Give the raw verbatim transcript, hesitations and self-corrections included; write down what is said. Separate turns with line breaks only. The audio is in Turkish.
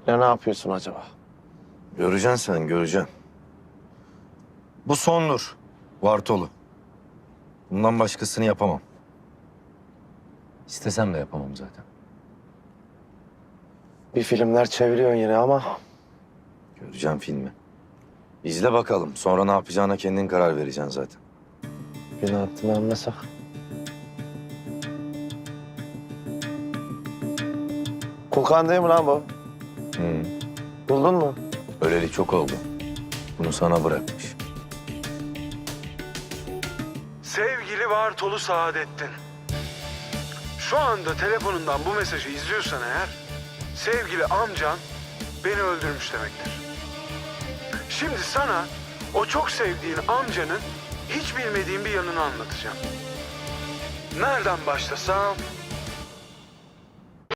Ya ne yapıyorsun acaba?
Göreceksin sen, göreceksin. Bu sondur. Vartolu. Bundan başkasını yapamam. İstesem de yapamam zaten.
Bir filmler çeviriyorsun yine ama
Göreceğim filmi. İzle bakalım. Sonra ne yapacağına kendin karar vereceksin zaten.
beni hattını anlasak. Kulkan değil mi lan bu?
Hı.
Buldun mu?
Öleli çok oldu. Bunu sana bırakmış.
Sevgili Bartolu Saadettin. Şu anda telefonundan bu mesajı izliyorsan eğer, sevgili amcan beni öldürmüş demektir. Şimdi sana o çok sevdiğin amcanın hiç bilmediğin bir yanını anlatacağım. Nereden başlasam